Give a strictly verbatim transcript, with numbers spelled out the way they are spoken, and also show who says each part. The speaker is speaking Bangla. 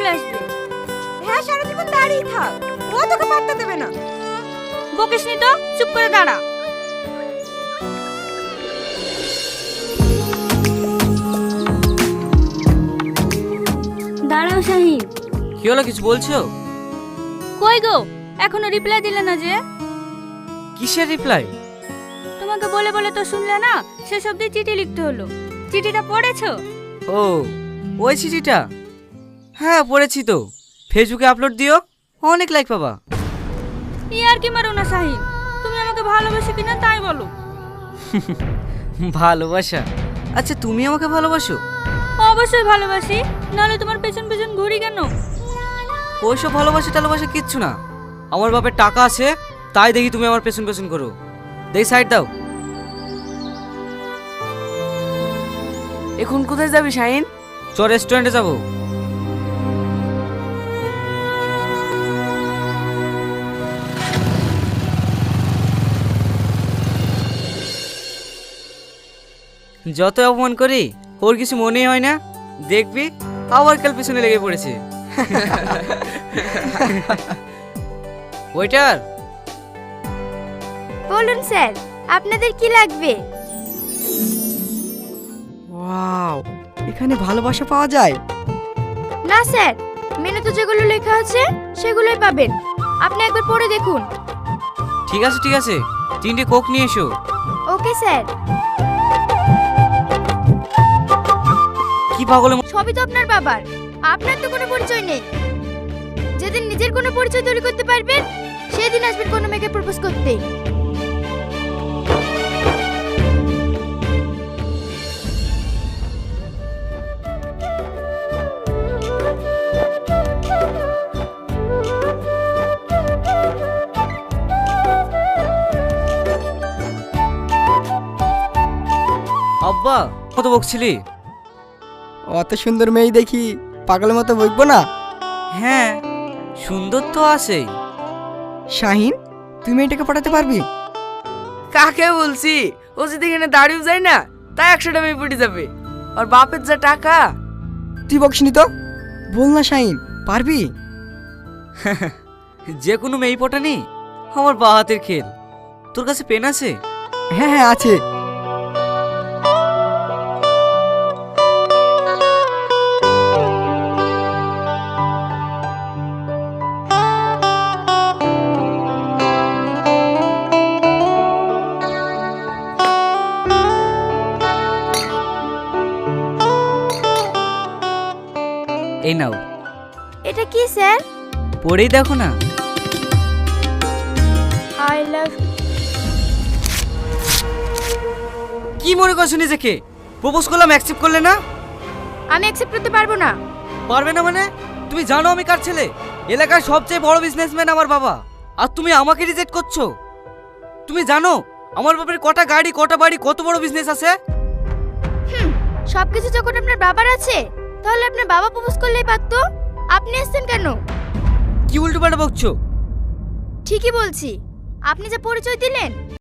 Speaker 1: চলে আসবে।
Speaker 2: হ্যাঁ, সারা জীবন দাঁড়িয়ে থাক, ও তোকে পাত্তা দেবে না।
Speaker 1: বকিসনি তো, চুপ করে দাঁড়া। দাঁড়াও শাহিন।
Speaker 3: কি হলো, কিছু বলছো?
Speaker 1: কই গো, এখনো রিপ্লাই দিলে না যে?
Speaker 3: কিসের রিপ্লাই?
Speaker 1: তোমাকে বলে বলে তো শুনলে না, সেসব দিয়ে চিঠি লিখতে হলো। চিঠিটা পড়েছো?
Speaker 3: ও, ওই চিঠিটা? হ্যাঁ পড়েছি তো। ফেসবুকে আপলোড দিও, অনেক লাইক পাবা।
Speaker 1: ই আর কি মারো না শাহিন, তুমি আমাকে ভালোবাসো কিনা তাই বলো।
Speaker 3: ভালোবাসা? আচ্ছা তুমি আমাকে ভালোবাসো?
Speaker 1: অবশ্যই ভালোবাসি, নাহলে তোমার পেছন পেছন ঘুরি কেন?
Speaker 3: ওইসব ভালোবাসা টালোবাসা কিচ্ছু না। আমার বাপের টাকা আছে, তাই দেখি তুমি আমার পেছন পেছন করো। দেখি সাইড দাও।
Speaker 2: এখন কোথায় যাবি শাহিন?
Speaker 3: চ রেস্টুরেন্টে যাবো। যত অপমান করি ওর কিছু মনেই হয় না। দেখবি আবার কাল পিছনে লেগে পড়েছে। ওয়েটার।
Speaker 1: বলুন স্যার, আপনাদের কি লাগবে?
Speaker 2: ওয়াও, এখানে ভালোবাসা পাওয়া যায়?
Speaker 1: না স্যার, মেনুতে যেগুলো লেখা আছে সেগুলোই পাবেন। আপনি একবার পড়ে দেখুন।
Speaker 3: ঠিক আছে ঠিক আছে, তিনটে কোক নিয়ে এসো।
Speaker 1: Okay sir.
Speaker 3: কি পাগলে
Speaker 1: সবই তো আপনার বাবার, আপনার তো কোনো পরিচয় নেই। যেদিন নিজের কোনো পরিচয় তৈরি করতে পারবেন, সেদিন আসবেন কোনো মেয়েকে প্রপোজ করতে।
Speaker 3: আব্বা কত বকছিলি?
Speaker 4: অত সুন্দর মেয়ে দেখি পাগলের মতো বইবো না?
Speaker 3: হ্যাঁ সুন্দর তো আছেই।
Speaker 4: শাহিন, তুই মেয়েটাকে পাঠাতে পারবি?
Speaker 2: কাকে বলছি? ও যদি এখানে দাঁড়িয়ে যায় না, তাই একশোটা মেয়ে পড়ে যাবে। আর বাপের যা টাকা।
Speaker 4: তুই বকসনি তো, বল না শাহিন, পারবি?
Speaker 3: যে কোনো মেয়ে পটানি আমার বা হাতের খেল। তোর কাছে পেন আছে?
Speaker 4: হ্যাঁ হ্যাঁ আছে।
Speaker 3: এই নাও।
Speaker 1: এটা কি স্যার?
Speaker 3: পড়েই দেখো না।
Speaker 1: I love.
Speaker 3: কি মনে করছো নিজেকে? প্রপোজ করলাম, অ্যাকসেপ্ট করলে না?
Speaker 1: আমি অ্যাকসেপ্ট করতে পারবো না।
Speaker 3: পারবে না মানে? তুমি জানো আমি কার ছেলে? এলাকার সবচেয়ে বড় বিজনেসম্যান আমার বাবা, আর তুমি আমাকে রিজেক্ট করছো? তুমি জানো আমার বাবার কটা গাড়ি, কটা বাড়ি, কত বড় বিজনেস আছে?
Speaker 1: হুম, সবকিছু যখন আপনার বাবার আছে, তাহলে আপনার বাবা প্রপোজ করলেই পারতো। আপনি এসেছেন কেন?
Speaker 3: কি উল্টো পাল্টা বকছো?
Speaker 1: ঠিকই বলছি, আপনি যে পরিচয় দিলেন